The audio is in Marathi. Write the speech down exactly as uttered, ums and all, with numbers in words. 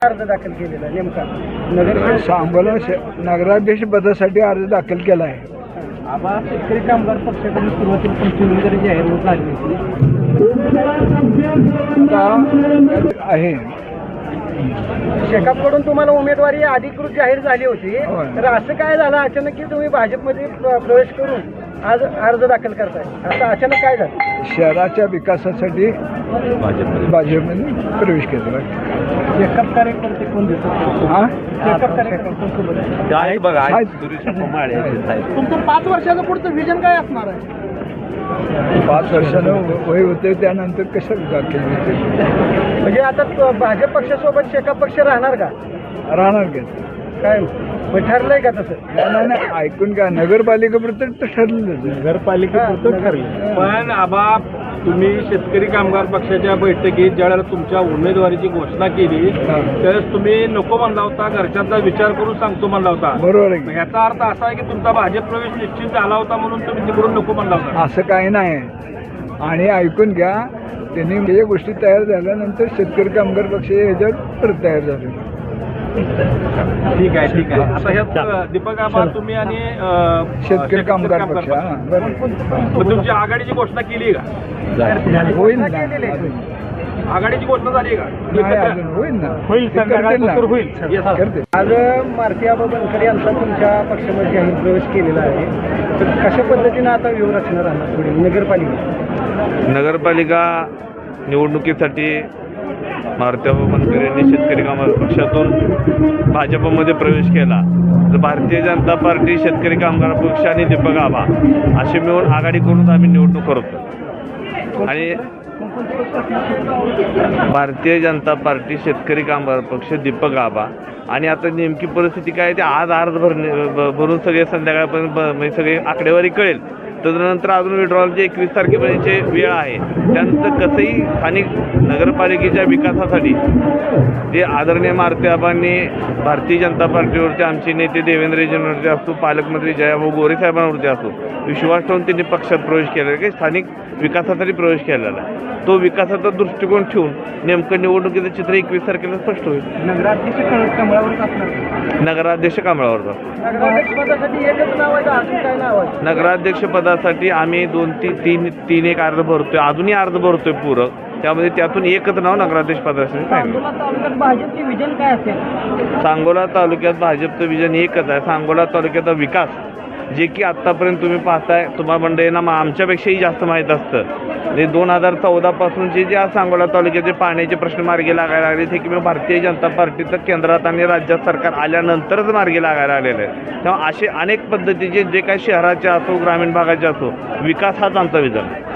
अर्ज दाखल केलेला आहे नेमका नगर सांगोला नगराध्यक्ष पदासाठी अर्ज दाखल केला आहे. आबा शेतकरी कामगार पक्षाकडून सुरुवातीला तुमची उमेदवारी जाहीर होत आली होती. आता आहे शेकापकडून तुम्हाला उमेदवारी अधिकृत जाहीर झाली होती, होय. तर असं काय झालं अचानक की तुम्ही भाजपमध्ये प्र- प्रवेश करून आज अर्ज दाखल करताय? असं अचानक काय झालं? शहराच्या विकासासाठी भाजपमध्ये प्रवेश केला. शेकाप कार्यकर्ते कोण दिसत? हा शेकाप कार्यकर्ते काय बघा आहेत. सुरेश कुमार आहेत, साहेब. तुमचं पाच वर्षाचं पुढचं विजन काय असणार आहे? पाच वर्षानं वय होते त्यानंतर कशाला दाखल होते म्हणजे आता तो भाजप पक्षासोबत शेकाप पक्ष राहणार का? राहणार का? काय मग ठरलंय का तसं? नाही नाही ऐकून का नगरपालिकेपुरतं ठरलेलं नगरपालिकेपुरतं ठरलं. पण आबा तुम्ही शेतकरी कामगार पक्षाच्या बैठकीत ज्यावेळेला तुमच्या उमेदवारीची घोषणा केली त्यावेळेस तुम्ही नको म्हणला होता, घरच्यांचा विचार करून सांगतो म्हणला होता. बरोबर आहे. याचा अर्थ असा आहे की तुमचा भाजप प्रवेश निश्चित झाला होता म्हणून तुम्ही तिकडून नको म्हणला होता. असं काही नाही. आणि ऐकून घ्या, त्यांनी या गोष्टी तयार झाल्यानंतर शेतकरी कामगार पक्ष याच्यावर परत तयार झाले. ठीक आहे ठीक आहे. आता ह्यात दीपक आबा तुम्ही आणि अं, शेतकरी कामगार पक्ष हा, बरोबर. मग तुमची आघाडीची घोषणा केली का? होईल ना केलेलं आहे. अजून. आघाडीची घोषणा झाली का? नाही अजून होईल ना होईल, ते करतील ना. होईल. Yes, sir. करतील. आज मारुती आबा बनकर यांचा तुमच्या पक्षामध्ये जाहीर प्रवेश केलेला आहे, तर कशा पद्धतीनं आता व्यूहरचना राहणार पुढे नगरपालिका? नगरपालिका निवडणुकीसाठी मारुतीआबा बनकर यांनी शेतकरी कामगार पक्षातून भाजपमध्ये प्रवेश केला. तर भारतीय जनता पार्टी, शेतकरी कामगार पक्ष आणि दीपक आबा असे मिळून आघाडी करून आम्ही निवडणूक करतो. आणि भारतीय जनता पार्टी, शेतकरी कामगार पक्ष, दीपक आबा. आणि आता नेमकी परिस्थिती काय ते आज अर्ज भरणे भ- भरून सगळे संध्याकाळपर्यंत ब- म्हणजे सगळे आकडेवारी कळेल. तदनंतर अजून विड्रॉलची एकवीस तारखेपर्यंतची वेळ आहे. त्यानंतर कसंही स्थानिक नगरपालिकेच्या विकासासाठी जे आदरणीय मारुती आबांनी भारतीय जनता पार्टीवरती आमचे नेते देवेंद्रजींवरती असतो, पालकमंत्री जयाभाऊ गोरे साहेबांवरती असतो, विश्वास ठेवून त्यांनी पक्षात प्रवेश केलेला की स्थानिक विकासासाठी प्रवेश केलेला आहे. तो विकासाचा दृष्टिकोन ठेवून नेमकं निवडणुकीचं चित्र एकवीस तारखेला स्पष्ट होईल. नगराध्यक्ष कमळावरच असणार. नगराध्यक्ष कांबळावरचा. नगराध्यक्ष पदासाठी एकच नाव आहे का अजून काय नाव आहे? नगराध्यक्ष पदासाठी आम्ही दोन तीन तीन तीन एक अर्ज भरतोय, अजूनही अर्ज भरतोय पूरक. त्यामध्ये त्यातून एकच नाव नगराध्यक्ष पदासाठी सांगितलं. सांगोला तालुक्यात भाजपचे विजन काय असेल? सांगोला तालुक्यात भाजपचं विजन एकच आहे. सांगोला तालुक्याचा विकास जे की आत्तापर्यंत तुम्ही पाहताय, तुम्हाला मंडळींना मा- आमच्यापेक्षाही जास्त माहीत असतं. म्हणजे दोन हजार चौदापासूनचे जे आज सांगोला तालुक्याचे पाण्याचे प्रश्न मार्गी लागायला लागले ते किंवा भारतीय जनता पार्टीचं केंद्रात आणि राज्यात सरकार आल्यानंतरच मार्गी लागायला आलेलं आहे. तेव्हा असे अनेक पद्धतीचे जे काही शहराचे असो, ग्रामीण भागाचे असो, विकास हाच आमचा विजन आहे.